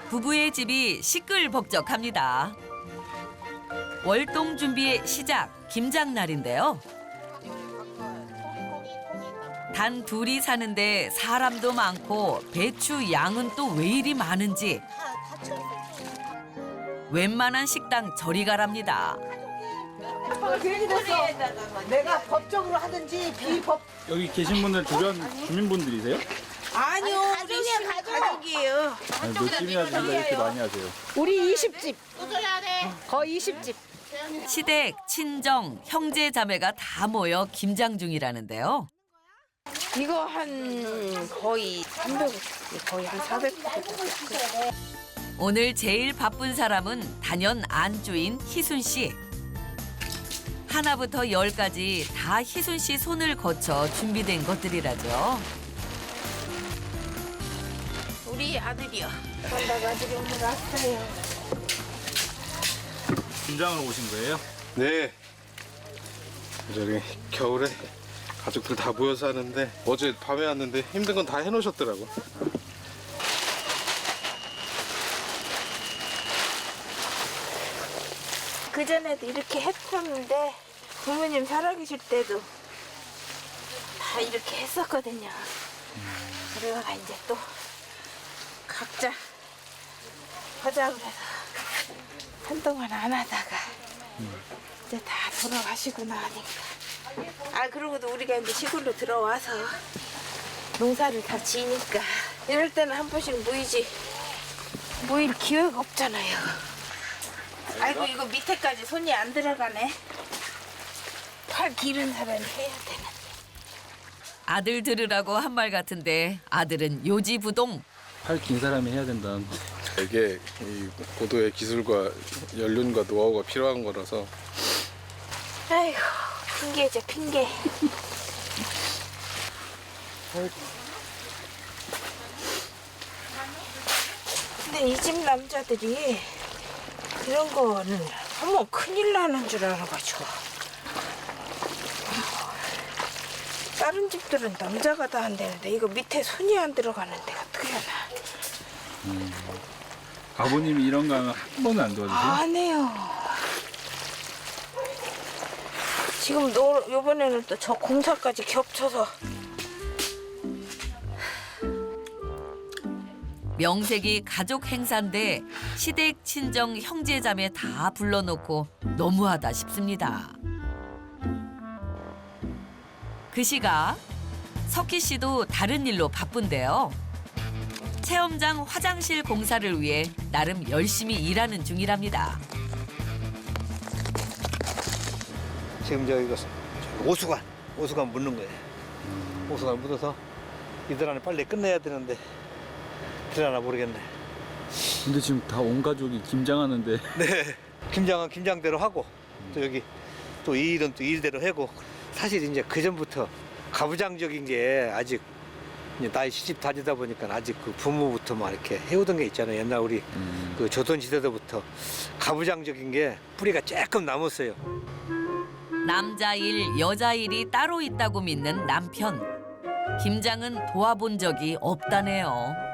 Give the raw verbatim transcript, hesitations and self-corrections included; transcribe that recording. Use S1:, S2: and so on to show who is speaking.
S1: 부부의 집이 시끌벅적합니다. 월동 준비의 시작, 김장날인데요. 단 둘이 사는데 사람도 많고 배추 양은 또 왜 이리 많은지 웬만한 식당 저리 가랍니다.
S2: 아빠가 괜히 됐어. 내가 법적으로 하든지 비법.
S3: 여기 계신 분들 주변 주민분들이세요?
S2: 아니요, 가족이에요, 가족이에요.
S3: 아니, 몇 집이나 된다 이렇게 많이 하세요?
S2: 우리 이십 집. 거의 이십 집.
S1: 시댁, 친정, 형제 자매가 다 모여 김장 중이라는데요.
S2: 이거 한 거의 삼백, 거의 한 사백.
S1: 오늘 제일 바쁜 사람은 단연 안주인 희순 씨. 하나부터 열까지 다 희순 씨 손을 거쳐 준비된 것들이라죠.
S2: 우리 아들이요. 엄마가 아들이 오늘 왔어요.
S3: 김장을 오신 거예요?
S4: 네. 저기 겨울에 가족들 다 모여서 하는데 어제 밤에 왔는데 힘든 건 다 해놓으셨더라고.
S2: 그전에도 이렇게 했었는데 부모님 살아계실 때도 다 이렇게 했었거든요. 그래가 이제 또 각자 하자 그래서 한동안 안 하다가 이제 다 돌아가시고 나니까 아 그러고도 우리가 이제 시골로 들어와서 농사를 다 지니까 이럴 때는 한 번씩 모이지 모일 기회가 없잖아요. 아이고 이거 밑에까지 손이 안 들어가네. 팔 기른 사람이 해야 되는데.
S1: 아들 들으라고 한 말 같은데 아들은 요지부동.
S3: 팔 긴 사람이 해야 된다는.
S4: 이게 이 고도의 기술과 연륜과 노하우가 필요한 거라서.
S2: 아이고 핑계죠 핑계. 근데 이 집 남자들이 이런 거는 하면 큰일 나는 줄 알아가지고. 다른 집들은 남자가 다 한다는데 이거 밑에 손이 안 들어가는데 어떻게 하나.
S3: 음. 아버님이 이런 거 하면 한 번은 안 도와주세요?
S2: 안 해요. 지금 너 요번에는 또 저 공사까지 겹쳐서.
S1: 명색이 가족 행사인데 시댁, 친정, 형제 자매 다 불러놓고 너무하다 싶습니다. 그 시각 석희 씨도 다른 일로 바쁜데요. 체험장 화장실 공사를 위해 나름 열심히 일하는 중이랍니다.
S5: 지금 저 이거 오수관, 오수관 묻는 거예요. 오수관 묻어서 이들 안에 빨리 끝내야 되는데 되려나 모르겠네.
S3: 근데 지금 다 온 가족이 김장하는데.
S5: 네. 김장은 김장대로 하고 또 여기 또 이 일은 또 일대로 하고 사실 이제 그 전부터 가부장적인 게 아직 이제 나이 시집 다니다 보니까 아직 그 부모부터 막 이렇게 해오던 게 있잖아요. 옛날 우리
S3: 음.
S5: 그 조선 시대부터 가부장적인 게 뿌리가 조금 남았어요.
S1: 남자 일, 여자 일이 따로 있다고 믿는 남편. 김장은 도와본 적이 없다네요.